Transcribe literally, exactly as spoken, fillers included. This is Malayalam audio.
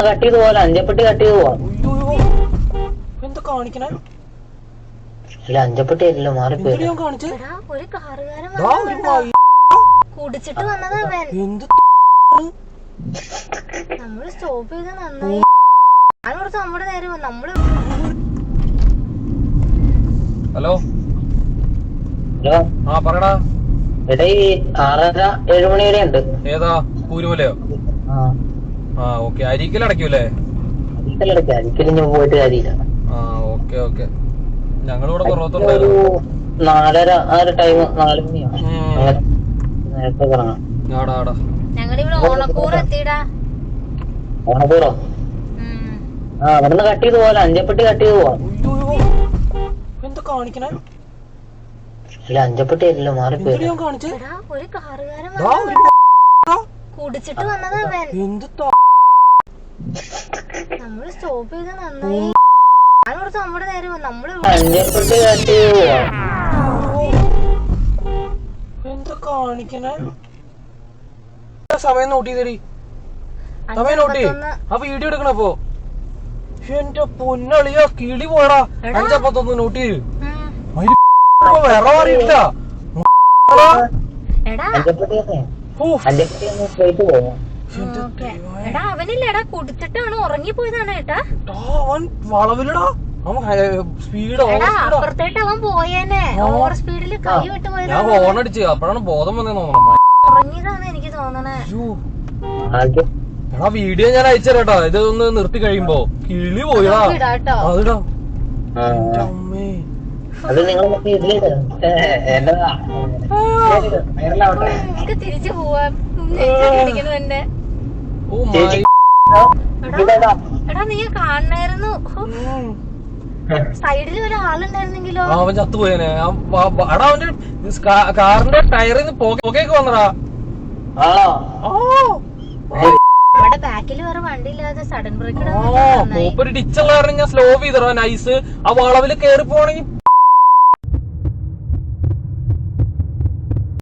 കട്ട് ചെയ്ത് പോലെ അഞ്ചപ്പെട്ടി കട്ട് ചെയ്ത് പോവാം. എന്താ കാണിക്കണേ? അല്ല അഞ്ചപ്പെട്ടി അല്ലല്ലോ മാറിപ്പോയി. ഒരു കാറുകാരൻ കുടിച്ചിട്ട് വന്നതാ അവൻ. നമ്മള് സ്റ്റോപ്പ് ചെയ്ത് നന്നായി. ഞാൻ കുറച്ച് നമ്മുടെ നേരെ നമ്മള്. ഹലോ ഹലോ ആ പറയടാ. എടാ ഈ ആറര ഏഴു മണി വരെ ഉണ്ട്. ഏതാ കൂരുമലയോ? ആ ഓക്കെ. അരിക്കൽ അടയ്ക്കൂലേ? അരിക്കലടക്ക അരിക്കൽ ഞാൻ പോയിട്ട് കാര്യമില്ല. ആ ഓക്കെ ഓക്കെ. ഞങ്ങളിവിടെ ഒരു നാലര ആ ഒരു ടൈം നാല് മണിയാണ് നേരത്തെ കറങ്ങാം. ഞങ്ങളിവിടെ ഓണക്കൂറ് എത്തിയിടാ. ഓണക്കൂറോ? ആ അവിടുന്ന് കട്ട് ചെയ്ത് പോലെ അഞ്ചപ്പെട്ടി കട്ട് ചെയ്ത് പോവാം. എന്താ കാണിക്കണേ? അല്ല അഞ്ചപ്പെട്ടി അല്ലല്ലോ മാറിപ്പോയി. ഒരു കാറുകാരൻ കുടിച്ചിട്ട് വന്നതാ അവൻ. നമ്മള് സ്റ്റോപ്പ് ചെയ്ത് നന്നായി. ഞാൻ കുറച്ച് നമ്മുടെ നേരെ നമ്മള് അഞ്ചപ്പെട്ടി കട്ട് ചെയ്ത് പോവാം. എന്താ കാണിക്കണേ? സമയം നോട്ട് ചെയ്തേടി. സമയം നോട്ട് ചെയ്. ആ വീഡിയോ എടുക്കണപ്പോ എന്റെ പൊന്നളിയാ കിളി പോയടാ. അഞ്ചപ്പത്തൊന്ന് നോട്ട് ചെയ്ത് വേറെ അറിയില്ല. അവനില്ലടാ കുടിച്ചിട്ടാണ് ഉറങ്ങിപ്പോയതാണ് ഏട്ടാ. അവൻ വളവിലടാ. അവൻ സ്പീഡ് അപ്പുറത്തേട്ട് അവൻ പോയേനെ. ഓവർ സ്പീഡില് കൈ വിട്ട് പോയത്. ഞാൻ ഹോൺ അടിച്ച് അപ്പോഴാണ് ബോധം വന്നേന്ന് തോന്നണം. ഉറങ്ങിയതാണ് എനിക്ക് തോന്നണേ. എടാ വീഡിയോ ഞാൻ അയച്ചേരാട്ടാ. ഇതൊന്ന് നിർത്തി കഴിയുമ്പോ കിളി പോയിടാ. അതിടാ. അമ്മേ അത് നിങ്ങൾ തിരിച്ചു പോവാം. എടാ നീ കാണണായിരുന്നു. സൈഡിൽ ഒരാളുണ്ടായിരുന്നെങ്കിലോ? അവൻ ചത്തുപോയേനെ. എടാ അവന്റെ കാറിന്റെ ടയറിൽ നിന്ന് പുകയൊക്കെ വന്നടാ. നമ്മുടെ ബാക്കിൽ വേറെ വണ്ടി ഇല്ലാതെ സഡൻ ബ്രേക്ക് മൂപ്പര് ഡിച്ചുള്ള കാരണം ഞാൻ സ്ലോ ചെയ്തടാ. നൈസ്. ആ വളവില് കേറി പോണെങ്കിൽ